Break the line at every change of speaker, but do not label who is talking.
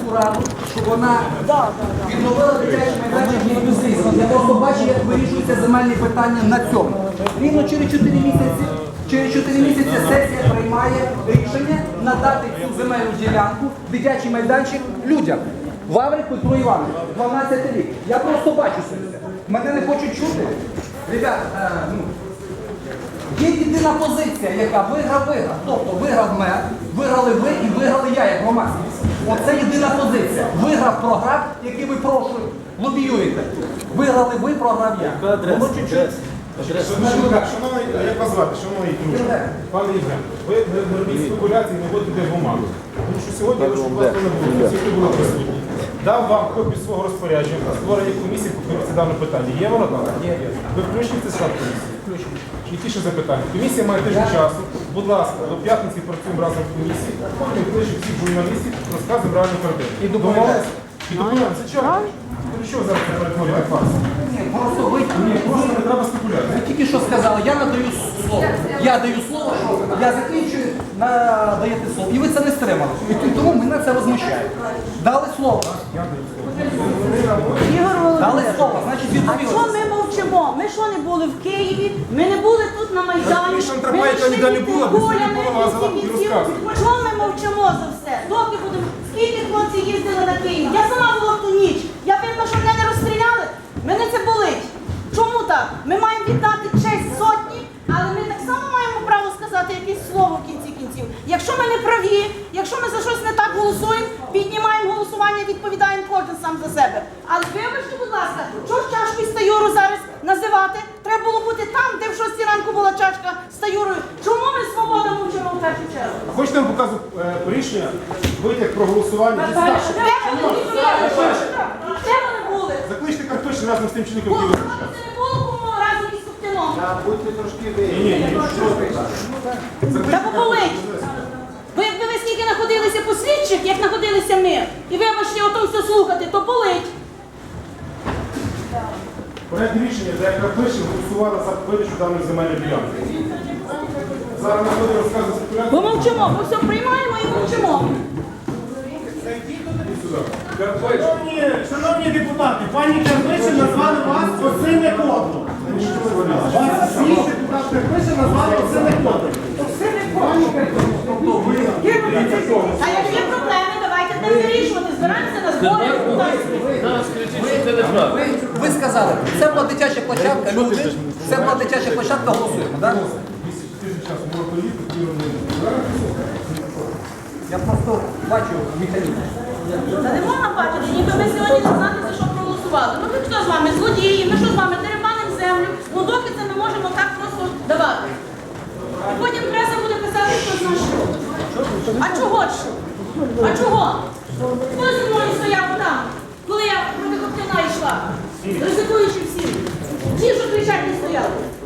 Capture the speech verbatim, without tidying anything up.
міську раду, щоб вона відновила дитячий майданчик і інвестиції. Я просто бачу, як вирішуються земельні питання на цьому. Рівно через чотири місяці, через чотири місяці сесія приймає рішення надати цю земельну ділянку, дитячий майданчик людям. Ваврик Петру Івановичу, дванадцятий рік. Я просто бачу це. Мене не хочуть чути. Ребята, е, ну, є єдина позиція, яка виграв-виграв. Тобто виграв мер, виграли ви і виграли я, як громадськість. Оце єдина позиція. Виграв, програв, який ви прошу лобіюєте. Виграли ви, програв я. Воно чуть-чуть.
Шановний, як вас звати, шановний друже? Пане Євген, ви не робіть спекуляції, не вводите в оману. Тому що сьогодні ви ж у вас не було, сьогодні були присутні. Дав вам копію свого розпорядження про створення комісії по це дане питання. Є воно там? Є. Ви включені цей склад комісії? Включені. Які ще запитання? Комісія має тиждень часу. Будь ласка, до п'ятниці працюємо разом в комісії. Потім кличемо всіх журналістів, розказуємо реальну картину. І домовилися? І домовилися. Це чого? Ну що зараз це перетворює фарс?
Просто ви,
Ні, просто не треба спекуляції.
ви тільки що сказали, я надаю слово. Я даю слово, що я закінчую, надаєте слово. І ви це не стримали. І тому мене це возмущає. Дали слово.
Ігор
Дали
Володимирович,
слово, значить
а
відповіли.
чого ми мовчимо? Ми що не були в Києві? Ми не були тут на Майдані.
Ви ж Антропайка ніде не була, ви собі повилазила і розказуєте.
Чого ми мовчимо за все? Доки будемо... Скільки хлопців їздили на Київ? Я сама була в ту ніч. Я видно, що мене не розстріляли. Мене це болить. Чому так? Ми маємо віддати честь сотні, але ми так само маємо право сказати якесь слово в кінці кінців. Якщо ми не праві, якщо ми за щось не так голосуємо, піднімаємо голосування, відповідаємо кожен сам за себе. Але вибачте, будь ласка, що ж чашку із Таюру зараз називати? Треба було бути там, де в шостій ранку була чашка з Таюрою. Чому ми свобода мовчимо в першу чергу?
Хочете я вам покажу е, рішення, витяг про голосування?
Де вони були? Де вони були?
Закличте Карпишин разом з тим чоловіком, який
Було,
визначав.
це не було кому разом із Коптяном.
Ні, ні, ні.
Та поболить. Ви, ви, ви скільки знаходилися по слідчих, як знаходилися ми, і вибачте, ото все слухати, то болить.
Проект рішення, де Карпишин голосувала за видачу даної земельної ділянки. Зараз ми будемо розказувати спекуляцію.
Бо мовчимо, ми все приймаємо і мовчимо.
Шановні, шановні депутати, пані Карпишин назвали вас осине кодло. Вас всі депутати Карпишин назвали осине кодло.
А як є проблеми, давайте не вирішувати. Збираємося на збори депутатські.
Ви, ви сказали, це була дитяча площадка, люди, це була дитяча площадка, голосуємо, так? Я просто бачу механізм.
Та не можна бачити, ніби ми сьогодні не знати, за що проголосували. Ну ми хто з вами? Злодії, ми що з вами? Дерибанимо землю. Ну доки це ми можемо так просто давати. І потім преса буде писати, що з нас що. А чого ж? А чого? Хто зі мною стояв там, коли я проти Коптяна йшла, ризикуючи всім? Ті, що кричать, не стояли.